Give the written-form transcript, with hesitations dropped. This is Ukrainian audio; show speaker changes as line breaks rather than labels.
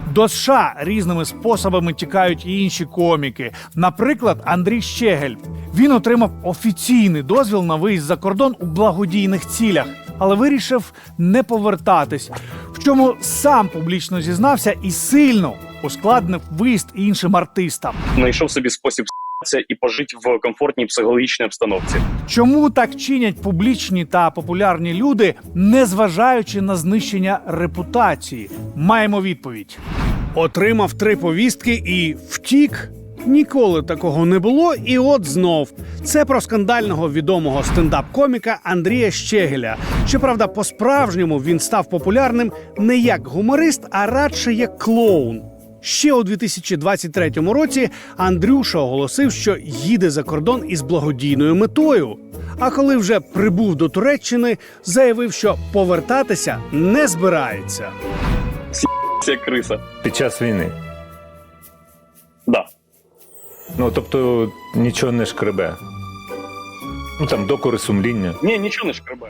До США різними способами тікають і інші коміки. Наприклад, Андрій Щегель. Він отримав офіційний дозвіл на виїзд за кордон у благодійних цілях, але вирішив не повертатись, в чому сам публічно зізнався і сильно ускладнив виїзд іншим артистам.
Знайшов собі спосіб с**тися і пожити в комфортній психологічній обстановці.
Чому так чинять публічні та популярні люди, незважаючи на знищення репутації? Маємо відповідь. Отримав 3 повістки і втік? Ніколи такого не було, і от знов. Це про скандального відомого стендап-коміка Андрія Щегеля. Щоправда, по-справжньому він став популярним не як гуморист, а радше як клоун. Ще у 2023 році Андрюша оголосив, що їде за кордон із благодійною метою. А коли вже прибув до Туреччини, заявив, що повертатися не збирається.
Це криса.
Під час війни.
Да.
Ну, тобто, нічого не шкребе. Ну, там, докори сумління.
Ні, нічого не шкребе.